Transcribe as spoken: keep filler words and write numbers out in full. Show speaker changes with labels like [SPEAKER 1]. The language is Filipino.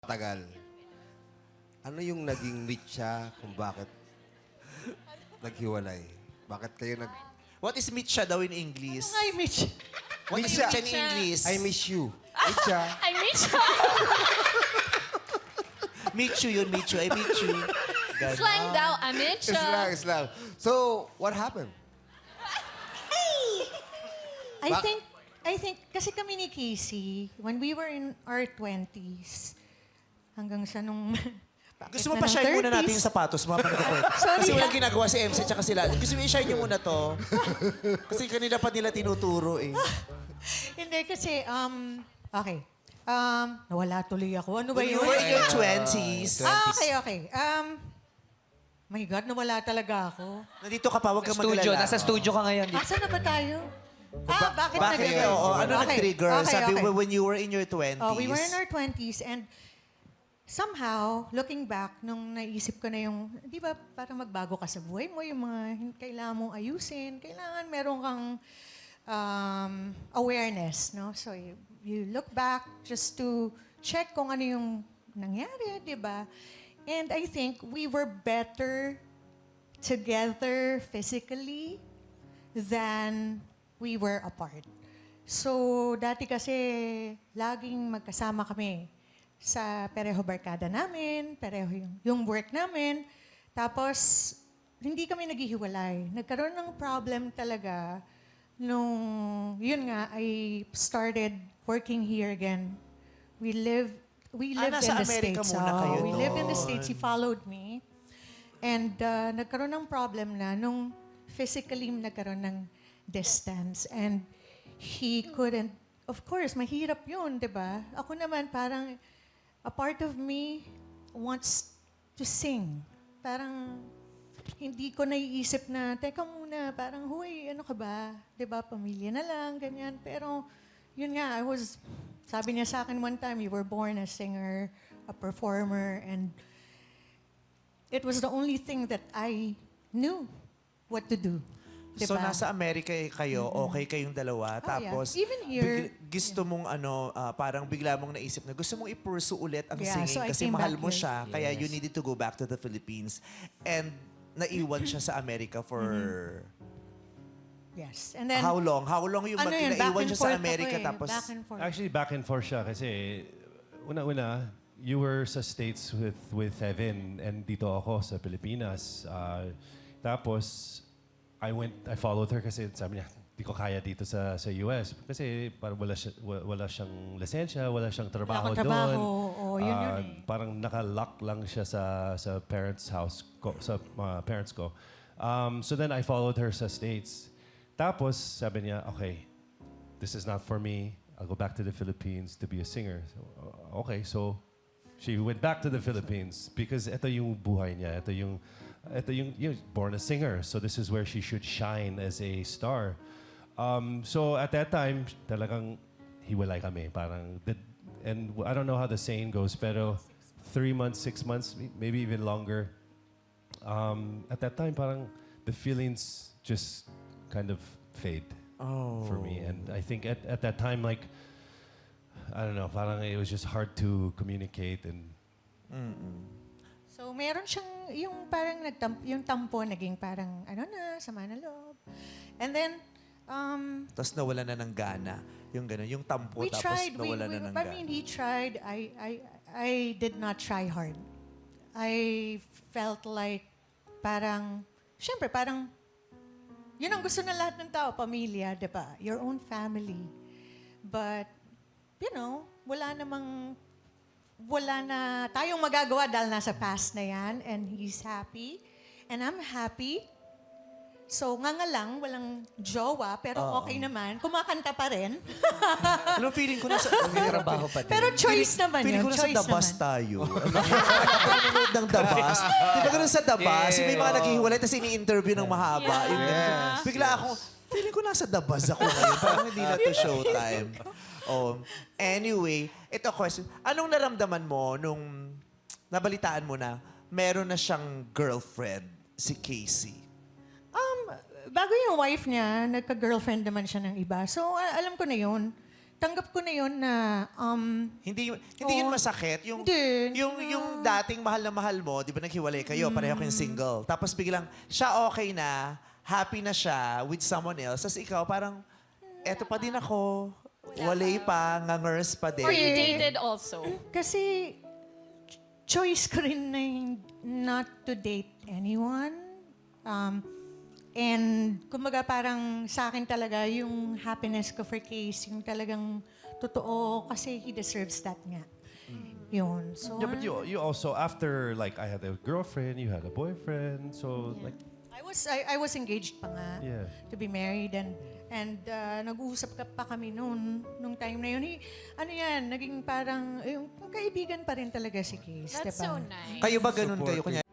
[SPEAKER 1] Tagal. Ano yung naging meet siya kung bakit naghiwalay? Bakit kayo nag...
[SPEAKER 2] What is mitcha daw in English?
[SPEAKER 3] Hi, Mitch.
[SPEAKER 2] What is
[SPEAKER 1] Mitcha.
[SPEAKER 2] mitcha in English?
[SPEAKER 1] I miss you. Meet siya.
[SPEAKER 4] I miss
[SPEAKER 2] Meet you yun, meet you. I meet you. Ganon.
[SPEAKER 4] Slang daw, I miss
[SPEAKER 1] Islang, islang. So, what happened?
[SPEAKER 3] I
[SPEAKER 1] Ba-
[SPEAKER 3] think, I think, kasi kami ni Casey, when we were in our twenties, hanggang sa nung...
[SPEAKER 2] Gusto mo pa shine muna natin yung sapatos, mga panagkukwento.
[SPEAKER 3] Sorry,
[SPEAKER 2] Kasi walang
[SPEAKER 3] ah.
[SPEAKER 2] ginagawa si M C tsaka sila. Gusto mo i-shine nyo muna to? Kasi kanina pa nila tinuturo eh.
[SPEAKER 3] Hindi, kasi, um, okay. Um, nawala tuloy ako. Ano ba
[SPEAKER 2] When
[SPEAKER 3] yun?
[SPEAKER 2] you were in your twenties,
[SPEAKER 3] Ah, okay, okay. Um, my God, nawala talaga ako.
[SPEAKER 2] nandito ka pa, huwag kang
[SPEAKER 5] Studio,
[SPEAKER 2] magalala.
[SPEAKER 5] nasa studio ka ngayon.
[SPEAKER 3] Asa na ba tayo? Ah, bakit,
[SPEAKER 2] Bakit?
[SPEAKER 3] nag-
[SPEAKER 2] Oo, ano
[SPEAKER 3] Okay,
[SPEAKER 2] nag-trigger?
[SPEAKER 3] okay,
[SPEAKER 2] Sabi
[SPEAKER 3] okay.
[SPEAKER 2] mo, when you were in your twenties.
[SPEAKER 3] Oh, we were in our twenties and somehow, looking back, nung naisip ko na yung, di ba, parang magbago ka sa buhay mo, yung mga hin- kailangan mong ayusin, kailangan meron kang um, awareness, no? So, you, you look back just to check kung ano yung nangyari, di ba? And I think we were better together physically than we were apart. So, dati kasi, laging magkasama kami sa pareho barkada namin, pareho yung, yung work namin. Tapos, hindi kami naghihiwalay. Nagkaroon ng problem talaga nung, yun nga, I started working here again. We live, we
[SPEAKER 2] Ah,
[SPEAKER 3] lived
[SPEAKER 2] nasa
[SPEAKER 3] in the
[SPEAKER 2] Amerika
[SPEAKER 3] States.
[SPEAKER 2] muna
[SPEAKER 3] Oo,
[SPEAKER 2] kayo
[SPEAKER 3] we lived in the
[SPEAKER 2] doon.
[SPEAKER 3] States. He followed me. And uh, nagkaroon ng problem na nung physically nagkaroon ng distance. And he couldn't, of course, mahirap yun, di ba? Ako naman, parang, a part of me wants to sing. Parang, hindi ko naiisip na, teka muna, parang, huy, ano ka ba? Di ba, pamilya na lang, ganyan. Pero, yun nga, I was, sabi niya sa akin one time, you were born a singer, a performer, and it was the only thing that I knew what to do.
[SPEAKER 2] So,
[SPEAKER 3] Diba?
[SPEAKER 2] nasa Amerika eh kayo, okay kayong dalawa.
[SPEAKER 3] Oh,
[SPEAKER 2] Tapos,
[SPEAKER 3] yeah. Even here-
[SPEAKER 2] bigla- gusto mong ano, ah, parang bigla mong naisip na gusto mong i-pursue ulit ang
[SPEAKER 3] Yeah,
[SPEAKER 2] singing
[SPEAKER 3] so I
[SPEAKER 2] kasi
[SPEAKER 3] came
[SPEAKER 2] mahal
[SPEAKER 3] back
[SPEAKER 2] mo
[SPEAKER 3] here.
[SPEAKER 2] siya. Kaya you needed to go back to the Philippines. And naiwan siya sa Amerika for
[SPEAKER 3] Yes. And then,
[SPEAKER 2] how long? How long yung
[SPEAKER 3] ano
[SPEAKER 2] mag-
[SPEAKER 3] yun, back
[SPEAKER 2] naiwan
[SPEAKER 3] and
[SPEAKER 2] siya sa
[SPEAKER 3] forth
[SPEAKER 2] Amerika
[SPEAKER 3] ako eh.
[SPEAKER 2] tapos...
[SPEAKER 3] Back and forth.
[SPEAKER 6] Actually, back and forth siya kasi una-una, you were sa States with with Evan and dito ako sa Pilipinas. Uh, tapos, I went, I followed her kasi sabi niya, di ko kaya dito sa sa U S kasi parang wala, siya, wa- wala siyang lisensya, wala siyang trabaho
[SPEAKER 3] akong trabaho.
[SPEAKER 6] doon.
[SPEAKER 3] Oo, yun yun
[SPEAKER 6] Ah,
[SPEAKER 3] eh.
[SPEAKER 6] Parang naka-lock lang siya sa sa parents' house ko, sa mga parents ko. Um, so then I followed her sa States. Tapos sabi niya, okay, this is not for me. I'll go back to the Philippines to be a singer. So, uh, okay, so she went back to the Philippines because ito yung buhay niya. Ito yung, ito yung, yung born a singer. So this is where she should shine as a star. Um, so at that time, talagang hiwalay kami. Parang, the, and I don't know how the saying goes, pero three months, six months, maybe even longer. Um, at that time, parang the feelings just kind of fade
[SPEAKER 2] Oh.
[SPEAKER 6] for me. And I think at, at that time, like, I don't know, parang it was just hard to communicate and
[SPEAKER 3] So, meron siyang, yung parang nagtam, yung tampo, naging parang, ano na, sama na loob. And then, um,
[SPEAKER 2] Tapos nawala na ng gana. Yung gano'n, yung tampo
[SPEAKER 3] we
[SPEAKER 2] tapos
[SPEAKER 3] tried. We,
[SPEAKER 2] nawala
[SPEAKER 3] we,
[SPEAKER 2] na ng
[SPEAKER 3] I
[SPEAKER 2] gana.
[SPEAKER 3] mean, he tried. I, I, I did not try hard. I felt like parang, syempre, parang, yun ang gusto na lahat ng tao, pamilya, di ba? Your own family. But, you know, wala namang, wala na tayong magagawa dahil nasa past na yan and he's happy and I'm happy. So, nga nga lang, walang jowa, pero okay naman. Kumakanta pa rin.
[SPEAKER 2] Alam, feeling ko nasa...
[SPEAKER 5] Trabaho pa din.
[SPEAKER 3] pero choice naman
[SPEAKER 2] Feeling
[SPEAKER 3] yun.
[SPEAKER 2] ko nasa
[SPEAKER 3] Choice
[SPEAKER 2] Dabas
[SPEAKER 3] naman.
[SPEAKER 2] tayo. Nanonood ng Dabas. Di ba ganun sa Dabas? Yung may mga naghihiwalay tapos ini-interview ng mahaba. Yung ganun. Bigla ako, feeling ko nasa Dabas ako ngayon. Parang hindi na to showtime. Oh. Anyway, ito question. Anong naramdaman mo nung nabalitaan mo na meron na siyang girlfriend, si Casey?
[SPEAKER 3] Um, bago yung wife niya, nagka-girlfriend naman siya ng iba. So, a- alam ko na yun. tanggap ko na yun na, um,
[SPEAKER 2] Hindi hindi yun
[SPEAKER 3] Oo.
[SPEAKER 2] masakit. Yung,
[SPEAKER 3] Hindi.
[SPEAKER 2] yung, yung dating mahal na mahal mo, di ba naghiwalay kayo, pareho kayong single. Tapos biglang, siya okay na, happy na siya with someone else. Tapos ikaw parang, eto pa din ako. Walay pa, ngangers pa din.
[SPEAKER 4] Or you dated also.
[SPEAKER 3] kasi ch- choice ko rin na hin- not to date anyone. Um, and kumbaga parang sa akin talaga yung happiness ko for Case, yung talagang totoo kasi he deserves that nga. Yun. So,
[SPEAKER 6] Yeah, but you you also after like I had a girlfriend, you had a boyfriend, so like
[SPEAKER 3] I was I, I was engaged pa nga
[SPEAKER 6] Yeah.
[SPEAKER 3] to be married and and uh, nag-uusap ka pa kami noon nung time na yun. Eh, ano yan, naging parang yung kaibigan pa rin talaga si Case,
[SPEAKER 4] That's
[SPEAKER 3] diba?
[SPEAKER 4] so nice.
[SPEAKER 2] Kayo ba ganun kayo? Kunya,